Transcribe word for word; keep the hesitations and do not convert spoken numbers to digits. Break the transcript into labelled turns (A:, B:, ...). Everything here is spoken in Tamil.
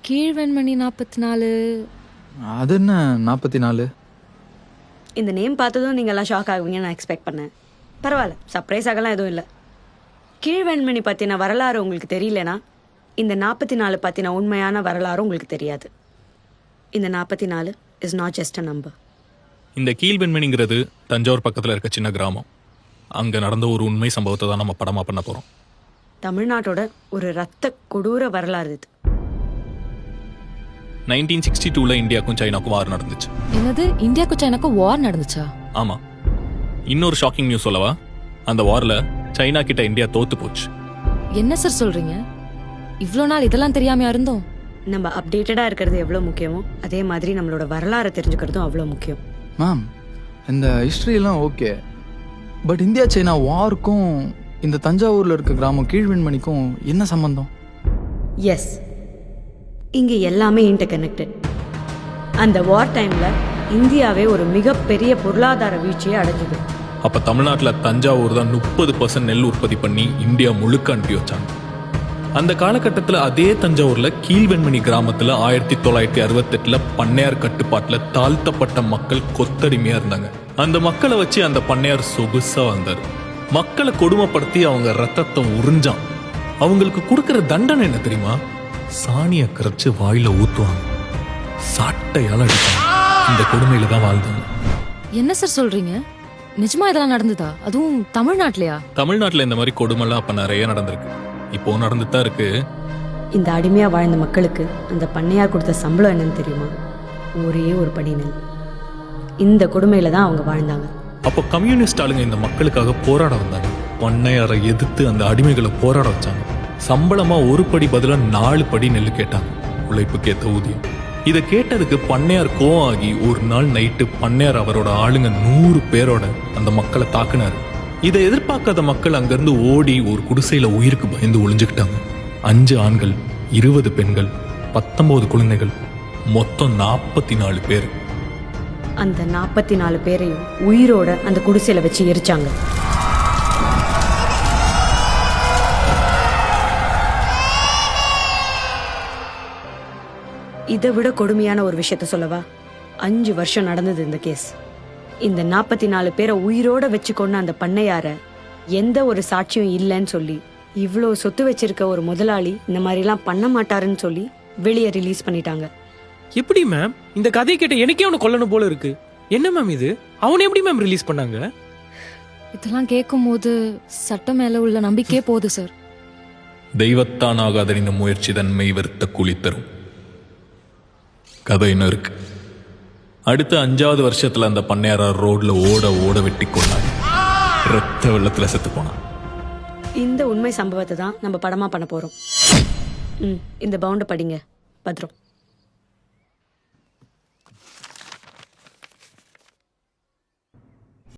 A: கீழ்வெண்மணி நாற்பத்தி நாலு.
B: அது என்ன நாற்பத்தி நாலு?
C: இந்த நேம் பார்த்ததும் நீங்கள்லாம் ஷாக் ஆகுவீங்கன்னு நான் எக்ஸ்பெக்ட் பண்ணேன். பரவாயில்ல, சர்ப்ரைஸ் ஆகலாம் எதுவும் இல்லை. கீழ்வெண்மணி பற்றின வரலாறு உங்களுக்கு தெரியலனா இந்த நாற்பத்தி நாலு பற்றின உண்மையான வரலாறு உங்களுக்கு தெரியாது. இந்த நாற்பத்தி நாலு is not just a number.
D: இந்த கீழ்வெண்மணிங்கிறது தஞ்சாவூர் பக்கத்தில் இருக்க சின்ன கிராமம். அங்கே நடந்த ஒரு உண்மை சம்பவத்தை தான் நம்ம படமாக பண்ண போகிறோம்.
C: தமிழ்நாட்டோட ஒரு ரத்த கொடூர வரலாறு இது.
D: நைன்டீன் சிக்ஸ்டி டூவில் இந்தியாவுக்கும் சைனாக்கும் வார் நடந்துச்சு.
A: என்னது, இந்தியாவுக்கும் சைனாக்கும் வார் நடந்துச்சா?
D: ஆமாம். இன்னொரு ஷாக்கிங் நியூஸ் சொல்லவா? அந்த வாரில் சைனா கிட்ட இந்தியா தோத்து போச்சு.
A: என்ன சார் சொல்றீங்க? இவ்வளோ நாள் இதெல்லாம் தெரியாமையா இருந்தோம்?
C: நம்ம அப்டேட்டடாக இருக்கிறது எவ்வளோ முக்கியமோ அதே மாதிரி நம்மளோட வரலாறை தெரிஞ்சுக்கிறதும் அவ்வளோ முக்கியம்.
B: மேம், இந்த ஹிஸ்ட்ரியெல்லாம் ஓகே, பட் இந்தியா சைனா வாருக்கும் இந்த தஞ்சாவூரில் இருக்க கிராமம் கீழ்வெண்மணிக்கும் என்ன சம்பந்தம்?
C: எஸ், இங்கே எல்லாமே இன்டர் கனெக்டட். அந்த வார் டைமில் இந்தியாவே ஒரு மிகப்பெரிய பொருளாதார வீழ்ச்சியை அடைஞ்சது.
D: அப்போ தமிழ்நாட்டில் தஞ்சாவூர் தான் முப்பது பர்சன்ட் நெல் உற்பத்தி பண்ணி இந்தியா முழுக்க அனுப்பி வச்சாங்க. அந்த காலகட்டத்தில் அதே தஞ்சாவூரில் கீழ்வெண்மணி கிராமத்தில் ஆயிரத்தி தொள்ளாயிரத்தி அறுபத்தெட்டில் பண்ணையார் கட்டுப்பாட்டில் தாழ்த்தப்பட்ட மக்கள் கொத்தடிமையாக இருந்தாங்க. அந்த மக்களை வச்சு அந்த பண்ணையார் சொகுசாக வந்தார். மக்களை கொடுமைப்படுத்தி அவங்க ரத்தத்தை உறிஞ்சான். அவங்களுக்கு கொடுக்குற தண்டனை என்ன தெரியுமா? சாணியை கரைச்சு வாயில ஊத்துவாங்க, சாட்டையால அடிப்பாங்க. இந்த கொடுமையில தான் வாழ்ந்தாங்க.
A: என்ன சார் சொல்றீங்க? நிஜமா இதெல்லாம் நடந்ததா? அதுவும் தமிழ்நாட்டிலயா?
D: தமிழ்நாட்டில் இந்த மாதிரி கொடுமைலாம் அப்ப நிறைய நடந்திருக்கு. இப்போ நடந்துட்டு தான் இருக்கு.
C: இந்த அடிமையாக வாழ்ந்த மக்களுக்கு அந்த பண்ணையார் கொடுத்த சம்பளம் என்னன்னு தெரியுமா? ஒரே ஒரு படி நெல். இந்த கொடுமையில தான் அவங்க வாழ்ந்தாங்க.
D: அப்போ கம்யூனிஸ்ட் ஆளுங்க இந்த மக்களுக்காக போராட வந்தாங்க. பண்ணையாரை எதிர்த்து அந்த அடிமைகளை போராட வச்சாங்க. சம்பளமா ஒரு படி பதிலா நாலு படி நெல் கேட்டாங்க, உழைப்புக்கு ஏற்ற ஊதியம். இதை கேட்டதுக்கு பண்ணையார் கோவம் ஆகி ஒரு நாள் நைட்டு பண்ணையார் அவரோட ஆளுங்க நூறு பேரோட அந்த மக்களை தாக்குனாரு. இதை எதிர்பார்க்காத மக்கள் அங்கிருந்து ஓடி ஒரு குடிசையில உயிருக்கு பயந்து ஒளிஞ்சுக்கிட்டாங்க. அஞ்சு ஆண்கள், இருபது பெண்கள், பத்தொன்பது குழந்தைகள், மொத்தம் நாற்பத்தி நாலு பேர்.
C: அந்த நாற்பத்தி நாலு பேரையும் உயிரோட அந்த குடிசையில வச்சு எரிச்சாங்க. இதை விட கொடுமையான ஒரு விஷயத்த சொல்லவா? அஞ்சு வருஷம் நடந்தது இந்த கேஸ். இந்த நாற்பத்தி நாலு பேரை உயிரோட வச்சு கொண்டு அந்த பண்ணையார எந்த ஒரு சாட்சியும் இல்லைன்னு சொல்லி, இவ்வளோ சொத்து வச்சிருக்க ஒரு முதலாளி இந்த மாதிரிலாம் பண்ண மாட்டாருன்னு சொல்லி வெளியே ரிலீஸ் பண்ணிட்டாங்க.
E: எப்படி மேம்? இந்த கதையை கேட்ட எனக்கே அவனை கொல்லணும் போல இருக்கு. என்ன மேம் இது? அவனை எப்படி மேம் ரிலீஸ் பண்ணாங்க?
A: இதெல்லாம் கேட்கும் போது சட்டம் மேல உள்ள நம்பிக்கையே போகுது சார்.
D: தெய்வத்தான் ஆகாதறிந்த முயற்சி தன்மை வெறுத்த கூலி தரும். கதை இன்னும் இருக்கு. அடுத்த அஞ்சாவது வருஷத்துல அந்த பண்ணையார ரோட்ல ஓட ஓட வெட்டி கொண்டாங்க. ரத்த வெள்ளத்துல செத்து போனான்.
C: இந்த உண்மை சம்பவத்தை தான் நம்ம படமா பண்ண போறோம். ம் இந்த பவுண்டை படிங்க, பத்ரம்.